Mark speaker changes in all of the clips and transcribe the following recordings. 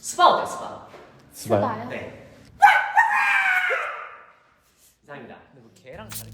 Speaker 1: 스파 어때 스파?
Speaker 2: 스바요?
Speaker 1: 네. 이상입니다.
Speaker 2: 근데 뭐 걔랑 다른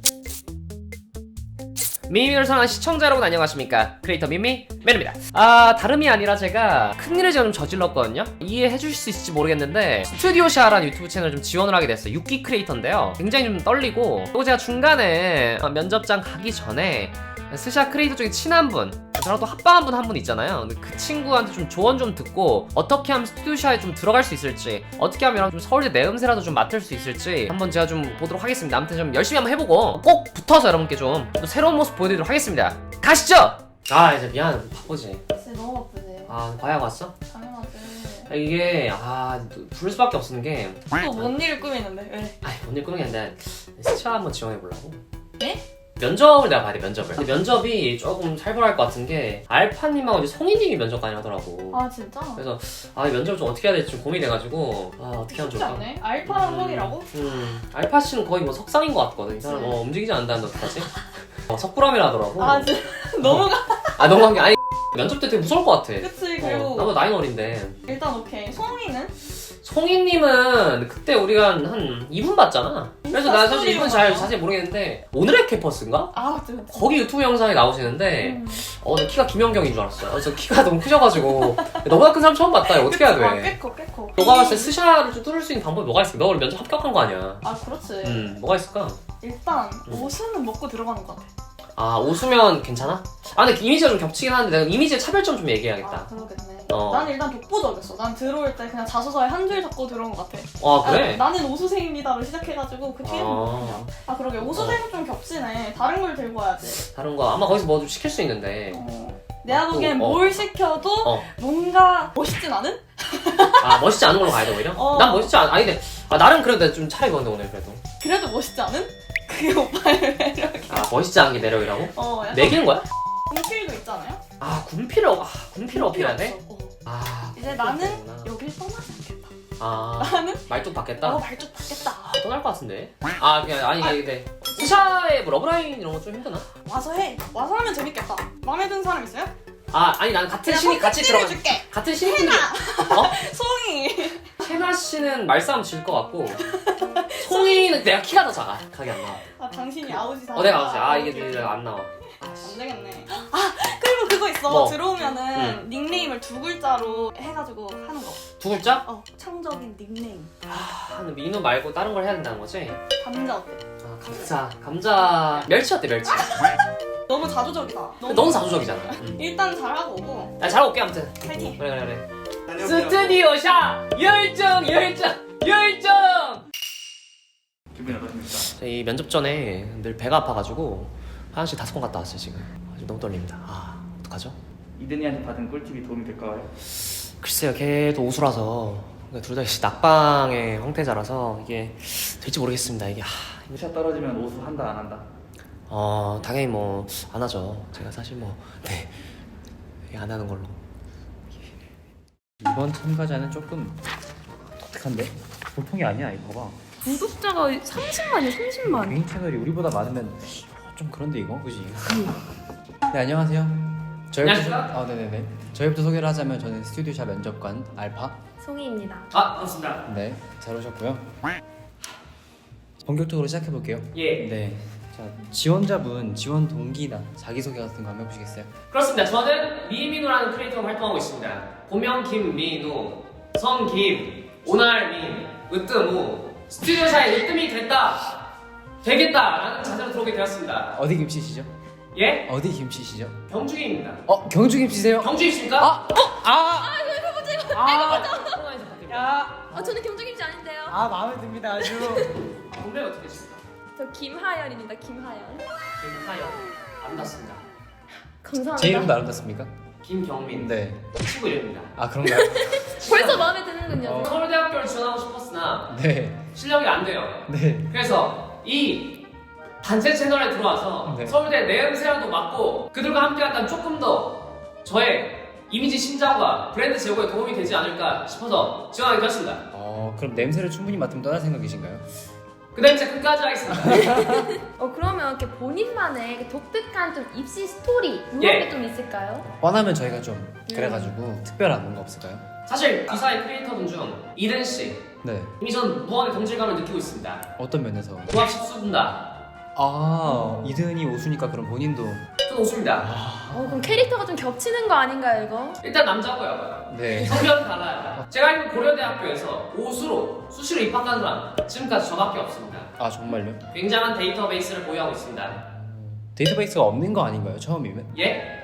Speaker 1: 미미를 사랑하는 시청자 여러분 안녕하십니까? 크리에이터 미미 맨입니다. 다름이 아니라 제가 큰일을 좀 저질렀거든요. 이해해 주실 수 있을지 모르겠는데 스튜디오샤라는 유튜브 채널 좀 지원을 하게 됐어요. 6기 크리에이터인데요. 굉장히 좀 떨리고 또 제가 중간에 면접장 가기 전에 스샤 크리에이터 중에 친한 분, 저랑 또 합방한 분 한 분 있잖아요. 근데 그 친구한테 좀 조언 좀 듣고 어떻게 하면 스튜디오샤에 좀 들어갈 수 있을지, 어떻게 하면 좀 서울대 내음새라도 좀 맡을 수 있을지 한번 제가 좀 보도록 하겠습니다. 아무튼 좀 열심히 한번 해보고 꼭 붙어서 여러분께 좀 또 새로운 모습 보여드리도록 하겠습니다. 가시죠! 이제 미안, 바쁘지?
Speaker 3: 진짜 너무 바쁘세요.
Speaker 1: 과외 왔어?
Speaker 3: 당연하지.
Speaker 1: 이게 부를 수밖에 없는 게
Speaker 3: 또 뭔 일을 꾸미는데 왜?
Speaker 1: 뭔일 꾸는 게 아니라 스차 한번 지원해보려고.
Speaker 3: 네?
Speaker 1: 면접을 내가 봐야 돼, 면접을. 근데 면접이 조금 살벌할 것 같은 게 알파님하고 이제 송이님이 면접관이 하더라고.
Speaker 3: 아 진짜?
Speaker 1: 그래서 이 면접을 좀 어떻게 해야 될지 좀 고민이 돼가지고 어떻게 하면
Speaker 3: 쉽지
Speaker 1: 좋을까?
Speaker 3: 않네. 알파랑 송이라고?
Speaker 1: 알파 씨는 거의 뭐 석상인 것 같거든. 이 사람 움직이지 않는다는데 어떡하지? 석구라미라 하더라고.
Speaker 3: 아 진짜 너무가.
Speaker 1: 너무한 게 면접 때 되게 무서울 것 같아.
Speaker 3: 그치. 그리고
Speaker 1: 나보다 나이 어린데.
Speaker 3: 일단 오케이. 송이는?
Speaker 1: 송이님은 그때 우리가 한 2분 봤잖아. 그래서 나 사실 이분 자세히 모르겠는데 오늘의 캠퍼스인가?
Speaker 3: 아 그치.
Speaker 1: 거기 유튜브 영상에 나오시는데 근데 키가 김연경인 줄 알았어요. 그래서 키가 너무 크셔가지고 너보다 큰 사람 처음 봤다. 이거 어떻게 해야 돼?
Speaker 3: 꽤 커.
Speaker 1: 너가 봤을 때 스샤를 좀 뚫을 수 있는 방법이 뭐가 있을까? 너 원래 면접 합격한 거 아니야?
Speaker 3: 아 그렇지.
Speaker 1: 뭐가 있을까?
Speaker 3: 일단 옷은 먹고 들어가는 것 같아.
Speaker 1: 옷으면 괜찮아? 근데 이미지가 좀 겹치긴 하는데 내가 이미지의 차별점 좀
Speaker 3: 아
Speaker 1: 얘기해야겠다.
Speaker 3: 그러겠네.
Speaker 1: 어.
Speaker 3: 난 일단 독보적이었어. 난 들어올 때 그냥 자소서에 한 줄 적고 들어온 것 같아.
Speaker 1: 그래?
Speaker 3: 나는 오수생입니다로 시작해가지고 그 뒤에는 그냥. 그러게 오수생은 좀 겹치네. 다른 걸 들고 와야지.
Speaker 1: 다른 거 아마 거기서 뭐 좀 시킬 수 있는데.
Speaker 3: 내가 보기엔 뭘 시켜도 뭔가 멋있진 않은?
Speaker 1: 멋있지 않은 걸로 가야 돼 오히려? 난 멋있지 아니 근데 나름 그래도 좀 차려입었는데 오늘 그래도.
Speaker 3: 그래도 멋있지 않은? 그게 오빠의 매력이야.
Speaker 1: 멋있지 않은 게 매력이라고?
Speaker 3: 약간
Speaker 1: 매기는 거야?
Speaker 3: 군필도 있잖아요?
Speaker 1: 군필을 어필해야 돼?
Speaker 3: 이제 나는
Speaker 1: 그렇구나.
Speaker 3: 여길 떠나지 않겠다. 나는
Speaker 1: 말뚝 받겠다?
Speaker 3: 말뚝 받겠다.
Speaker 1: 떠날 것 같은데? 근데 스샤의 뭐 러브라인 이런 거 좀 힘드나?
Speaker 3: 와서 해. 와서 하면 재밌겠다. 마음에 드는 사람 있어요?
Speaker 1: 나는 같은 신이 같이 들어가.
Speaker 3: 줄게.
Speaker 1: 같은 신분들.
Speaker 3: 송이.
Speaker 1: 해나 씨는 말싸움 질 것 같고 송이는 내가 키가 더 작아. 각이 안 나와.
Speaker 3: 당신이 아웃이다.
Speaker 1: 내가 아웃이야. 이게 내가 안 나와.
Speaker 3: 안 되겠네. 그리고 그거 있어.
Speaker 1: 뭐?
Speaker 3: 들어오면은 닉네임을 두 글자로 해가지고 하는 거.
Speaker 1: 두 글자?
Speaker 3: 창적인 닉네임.
Speaker 1: 근데 민우 말고 다른 걸 해야 된다는 거지?
Speaker 3: 감자 어때?
Speaker 1: 감자 멸치 어때 멸치?
Speaker 3: 너무 자조적이다.
Speaker 1: 너무 자조적이잖아.
Speaker 3: 일단 잘하고 오고.
Speaker 1: 잘 올게 아무튼.
Speaker 3: 파이팅.
Speaker 1: 그래. 스튜디오샤 열정.
Speaker 4: 기분이 어떠십니까?
Speaker 1: 저희 면접 전에 늘 배가 아파가지고 화장실 5번 갔다 왔어요 지금. 지금 너무 떨립니다. 어떡하죠?
Speaker 4: 이든이한테 받은 꿀팁이 도움이 될까요?
Speaker 1: 글쎄요, 걔도 오수라서 둘 다 낙방의 형태자라서 이게 될지 모르겠습니다. 이게
Speaker 4: 스샷 떨어지면 오수 한다 안 한다?
Speaker 1: 당연히 뭐 안 하죠. 제가 사실 안 하는 걸로.
Speaker 2: 이번 참가자는 조금 독특한데? 보통이 아니야 이거 봐.
Speaker 3: 구독자가 30만이야 30만.
Speaker 2: 개인 채널이 우리보다 많으면 좀 그런데 이거 그지? 네 안녕하세요.
Speaker 1: 안녕하십니까?
Speaker 2: 네네네. 저희부터 소개를 하자면 저는 스튜디오샤 면접관 알파.
Speaker 3: 송이입니다.
Speaker 1: 반갑습니다.
Speaker 2: 네, 잘 오셨고요. 본격적으로 시작해 볼게요.
Speaker 1: 예.
Speaker 2: 네. 자 지원자분 지원 동기나 자기소개 같은 거 한번 해보시겠어요?
Speaker 1: 그렇습니다. 저는 미민우라는 크리에이터로 활동하고 있습니다. 본명 김민우, 성 김, 오날민, 으뜸우, 스튜디오샤에 으뜸이 되겠다라는 자세로 들어오게 되었습니다.
Speaker 2: 어디 김씨시죠?
Speaker 1: 예?
Speaker 2: 어디 김씨시죠?
Speaker 1: 경주입니다.
Speaker 2: 경주 김씨세요?
Speaker 1: 경주이십니까?
Speaker 5: 저는 경주김씨 아닌데요.
Speaker 2: 마음에 듭니다 아주.
Speaker 1: 본명 어떻게 되십니까?
Speaker 5: 저 김하연입니다. 김하연.
Speaker 1: 김하연. 아름답습니다.
Speaker 5: 감사합니다.
Speaker 2: 제 이름도 아름답습니까?
Speaker 1: 김경민.
Speaker 2: 네.
Speaker 1: 친구 이름입니다.
Speaker 2: 그런가요?
Speaker 5: 벌써 마음에 드는군요.
Speaker 1: 서울대학교를 지원하고 싶었으나
Speaker 2: 네.
Speaker 1: 실력이 안 돼요.
Speaker 2: 네.
Speaker 1: 그래서 이 단체 채널에 들어와서
Speaker 2: 네.
Speaker 1: 서울대 내음새라도 맡고 그들과 함께한다면 조금 더 저의 이미지 신장과 브랜드 제고에 도움이 되지 않을까 싶어서 지원하게 되었습니다.
Speaker 2: 그럼 냄새를 충분히 맡으면 떠날 생각이신가요?
Speaker 1: 그 다음 이제 끝까지 하겠습니다.
Speaker 5: 그러면 이렇게 본인만의 독특한 좀 입시 스토리 이런
Speaker 1: 예.
Speaker 5: 게 좀 있을까요?
Speaker 2: 뻔하면 저희가 좀 그래가지고 특별한 뭔가 없을까요?
Speaker 1: 사실 기사의 크리에이터분 중 이든 씨
Speaker 2: 네.
Speaker 1: 이미 전 무한의 동질감을 느끼고 있습니다.
Speaker 2: 어떤 면에서?
Speaker 1: 고압 십수분다.
Speaker 2: 이든이 오수니까 그럼 본인도.
Speaker 1: 전 오수입니다.
Speaker 5: 그럼 캐릭터가 좀 겹치는 거 아닌가요 이거?
Speaker 1: 일단 남자고요.
Speaker 2: 네.
Speaker 1: 성별은 달라요. 제가 알기로 고려대학교에서 오수로 수시로 입학한 사람 지금까지 저밖에 없습니다.
Speaker 2: 아 정말요?
Speaker 1: 굉장한 데이터베이스를 보유하고 있습니다.
Speaker 2: 데이터베이스가 없는 거 아닌가요? 처음이면?
Speaker 1: 예?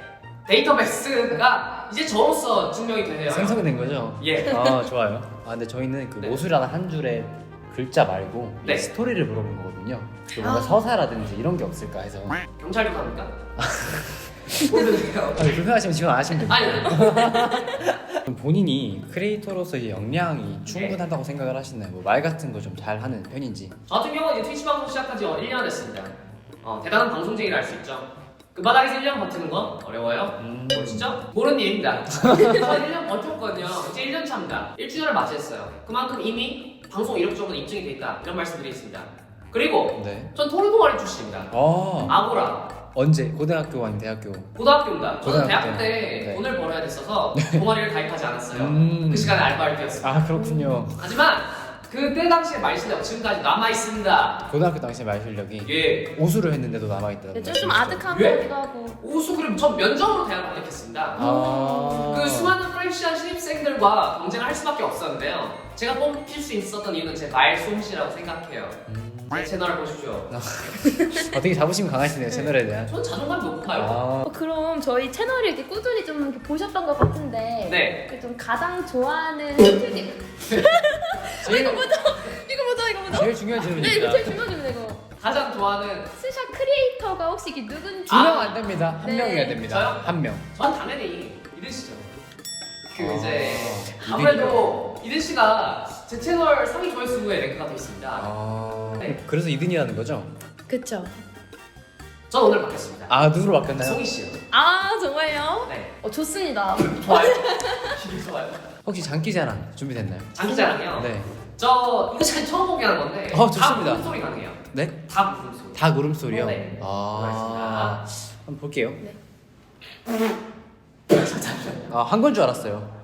Speaker 1: 데이터베이스가 이제 저로서 증명이 되네요.
Speaker 2: 생성된 거죠?
Speaker 1: 예.
Speaker 2: 좋아요. 근데 저희는 그
Speaker 1: 네.
Speaker 2: 오수라는 한 줄의 글자 말고
Speaker 1: 네.
Speaker 2: 스토리를 물어본 거거든요. 그 뭔가 서사라든지 이런 게 없을까 해서.
Speaker 1: 경찰 조사입니까? 모르겠어요.
Speaker 2: 불편하시면 지금 안 하시면 됩니다.
Speaker 1: 아니,
Speaker 2: 그럼 본인이 크리에이터로서 이 역량이 충분하다고 생각을 하시나요? 뭐 말 같은 거 좀 잘 하는 편인지.
Speaker 1: 저 같은 경우는 이제 트위치 방송 시작한 지 1년 됐습니다. 대단한 방송쟁이를 알 수 있죠. 그 바닥에서 1년 버티는 건 어려워요. 진짜 모르는 일입니다. 저 1년 버텼거든요. 이제 1년 차입니다. 1주년을 맞이했어요. 그만큼 이미 방송 이력적으로 입증이 돼 있다. 이런 말씀드리겠습니다. 그리고
Speaker 2: 네.
Speaker 1: 전 토르동아리 출신입니다. 아고라.
Speaker 2: 언제? 고등학교 아니면 대학교?
Speaker 1: 고등학교입니다. 저는
Speaker 2: 고등학교
Speaker 1: 대학교 때
Speaker 2: 때. 네.
Speaker 1: 돈을 벌어야 됐어서 동아리를 가입하지 않았어요. 그 시간에 알바를 뛰었습니다.
Speaker 2: 그렇군요.
Speaker 1: 하지만 그때 당시에 말 실력 지금까지 남아 있습니다.
Speaker 2: 고등학교 당시 말 실력이
Speaker 1: 예.
Speaker 2: 오수를 했는데도 남아 있다.
Speaker 5: 좀 아득한
Speaker 1: 예?
Speaker 5: 것 같기도 하고.
Speaker 1: 오수 그럼 전 면접으로 대학을 합격했습니다.
Speaker 2: 아.
Speaker 1: 그 수많은 프레시한 신입생들과 경쟁을 할 수밖에 없었는데요. 제가 뽑힐 수 있었던 이유는 제 말 솜씨라고 생각해요. 제 채널을 보십시오.
Speaker 2: 되게 자부심 강하시네요 채널에 대한.
Speaker 1: 전 자존감이 높아요.
Speaker 5: 그럼 저희 채널을 이렇게 꾸준히 좀 이렇게 보셨던 것 같은데
Speaker 1: 네.
Speaker 5: 그좀 가장 좋아하는 스튜디오 이거 뭐죠?
Speaker 2: 제일 중요한
Speaker 5: 네 이거
Speaker 2: 질문입니다.
Speaker 5: 제일 중요한 질문이에요 이거.
Speaker 1: 가장 좋아하는
Speaker 5: 스샷 크리에이터가 혹시 이게 누군지
Speaker 2: 두 명 안 됩니다. 한
Speaker 5: 네.
Speaker 2: 명이어야 됩니다.
Speaker 1: 저요?
Speaker 2: 한 명.
Speaker 1: 전 당연히 이든 씨죠. 이제
Speaker 2: 이든이요?
Speaker 1: 아무래도 이든 씨가 제 채널 상위 조회수에 랭크가 돼 있습니다. 네.
Speaker 2: 그래서 이든이라는 거죠?
Speaker 5: 그쵸.
Speaker 1: 전 오늘 바뀌었습니다.
Speaker 2: 누구로 바뀌었나요?
Speaker 1: 송이 씨요.
Speaker 5: 정말요?
Speaker 1: 네.
Speaker 5: 좋습니다.
Speaker 1: 좋아요. 되게 좋아요.
Speaker 2: 혹시 장기자랑 준비됐나요?
Speaker 1: 장기자랑이요.
Speaker 2: 네.
Speaker 1: 저 이거 지금 처음 공개하는 건데.
Speaker 2: 좋습니다.
Speaker 1: 다 물음소리 가능해요.
Speaker 2: 네?
Speaker 1: 다 물음소리.
Speaker 2: 닭 울음소리요?
Speaker 1: 네.
Speaker 2: 한번 볼게요.
Speaker 5: 네.
Speaker 2: 한 건 줄 알았어요.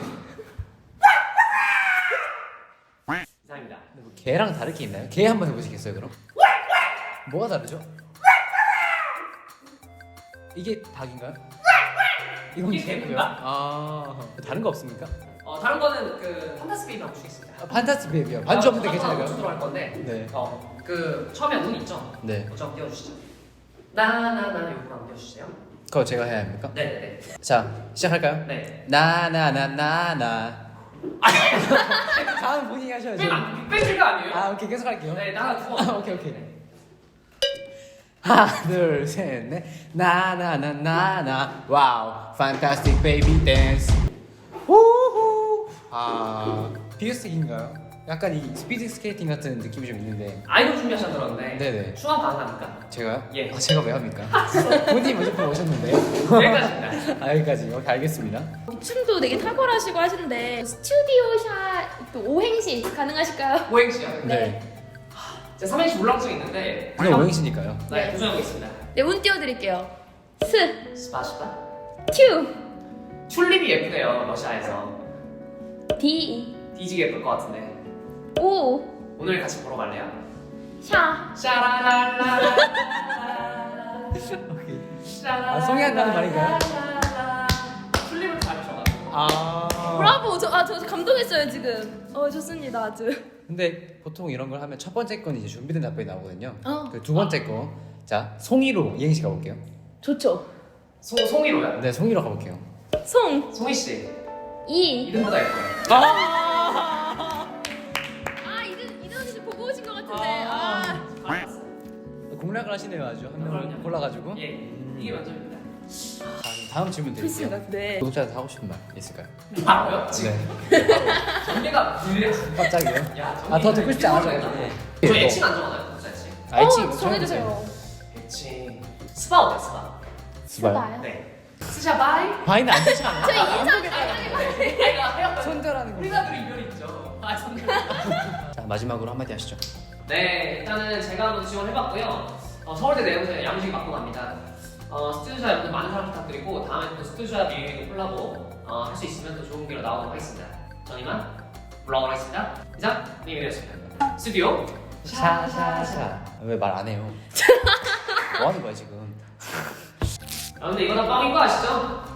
Speaker 1: 이상입니다.
Speaker 2: 뭐 개랑 다를 게 있나요? 개 한번 해보시겠어요 그럼? 뭐가 다르죠? 이게 닭인가요? 이건
Speaker 1: 이게
Speaker 2: 개고요.
Speaker 1: 개입니다.
Speaker 2: 다른 거 없습니까?
Speaker 1: 다른 거는 그 판타스 베이비 한번 주겠습니다.
Speaker 2: 판타스 베이비요. 반주 없는데
Speaker 1: 우주
Speaker 2: 괜찮을까요?
Speaker 1: 들어갈 건데.
Speaker 2: 네.
Speaker 1: 그 처음에 운 있죠?
Speaker 2: 네.
Speaker 1: 그거 좀 띄워주시죠. 나나나 요거 한번 띄워주세요.
Speaker 2: 그거 제가 해야 합니까?
Speaker 1: 네네네.
Speaker 2: 자 시작할까요?
Speaker 1: 네.
Speaker 2: 나나나나나. 다음 본인이 하셔야죠.
Speaker 1: 빅뱅크가 아니에요?
Speaker 2: 오케이 계속 할게요.
Speaker 1: 네, 나나 두 번.
Speaker 2: 오케이.
Speaker 1: 네.
Speaker 2: 하나 둘셋넷 나나나나나 와우 판타스틱 베이비 댄스 우후 비어스틱인가요? 약간 이 스피드 스케이팅 같은 느낌이 좀 있는데
Speaker 1: 아이돌 준비하셔 들었는데.
Speaker 2: 네네.
Speaker 1: 춤한 가능합니까?
Speaker 2: 제가요?
Speaker 1: 예.
Speaker 2: 제가 왜 합니까? 본인이 무조건 오셨는데요?
Speaker 1: 여기까지입니다.
Speaker 2: 여기까지 오케이 알겠습니다.
Speaker 5: 춤도 되게 탁월하시고 하시는데 스튜디오 샷 또 오행시 가능하실까요?
Speaker 1: 오행시요.
Speaker 5: 네.
Speaker 1: 제가 3행시 울렁증이 있는데.
Speaker 2: 그냥 오행시니까요.
Speaker 1: 네, 도전하고 있습니다.
Speaker 5: 네, 운 띄워드릴게요.
Speaker 1: 스파시파.
Speaker 5: 튜,
Speaker 1: 튤립이 예쁘대요, 러시아에서.
Speaker 5: 디,
Speaker 1: 뒤지게 예쁠 것 같은데.
Speaker 5: 오,
Speaker 1: 오늘 같이 보러 갈래요?
Speaker 5: 샤.
Speaker 1: 샤라랄라.
Speaker 2: 송이 한다는 말인가요?
Speaker 1: 튤립을 잘 쳐가지고.
Speaker 5: 브라보. 저 감동했어요 지금. 좋습니다 아주.
Speaker 2: 근데 보통 이런 걸 하면 첫 번째 건 이제 준비된 답변이 나오거든요.
Speaker 5: 어.
Speaker 2: 그 두 번째 거, 자 송이로 이행시 가볼게요.
Speaker 5: 좋죠.
Speaker 1: 송이로요?
Speaker 2: 네, 송이로 가볼게요.
Speaker 5: 송,
Speaker 1: 송이 씨.
Speaker 5: 이.
Speaker 1: 이름보다 예뻐요.
Speaker 5: 이든 언니 보고 오신 것 같은데.
Speaker 2: 공략을 하시네요, 아주 한 명을
Speaker 1: 그럼요.
Speaker 2: 골라가지고.
Speaker 1: 예, 이게 만점입니다.
Speaker 2: 자, 그럼 다음 질문 드릴게요.
Speaker 5: 좋습니다. 네.
Speaker 2: 구독자한테 하고 싶은 말 있을까요?
Speaker 1: 바로요? 지금.
Speaker 2: 네.
Speaker 1: 전개가 불려.
Speaker 2: 깜짝이요.
Speaker 1: 야,
Speaker 2: 더 듣고 싶지 않아서.
Speaker 1: 저 애칭 안 정하나요? 독자 애칭.
Speaker 2: 애칭
Speaker 5: 정해주세요.
Speaker 1: 애칭. 스파 어때, 스파?
Speaker 5: 스바요?
Speaker 1: 네. 스샤바이?
Speaker 2: 바이는 안 되지 않아요?
Speaker 5: 저 인상
Speaker 1: 네. 아이가
Speaker 2: 손절하는 거.
Speaker 1: 우리나라도 이별이 있죠. 손절.
Speaker 2: 자, 마지막으로 한마디 하시죠.
Speaker 1: 네, 일단은 제가 한번 지원해봤고요. 서울대 내부에서 야무지게 맡고 갑니다. 스튜디오샵 여러분들 많은 사랑 부탁드리고 다음에 또 스튜디오샵 비밀 콜라보 할 수 있으면 또 좋은 기회로 나오도록 하겠습니다. 전 이만 올라오도록 하겠습니다. 이상 미미였습니다. 스튜디오
Speaker 2: 샤샤샤. 왜 말 안 해요? 뭐 하는 거야 지금?
Speaker 1: 아 근데 이거 다 뻥인 거 아시죠?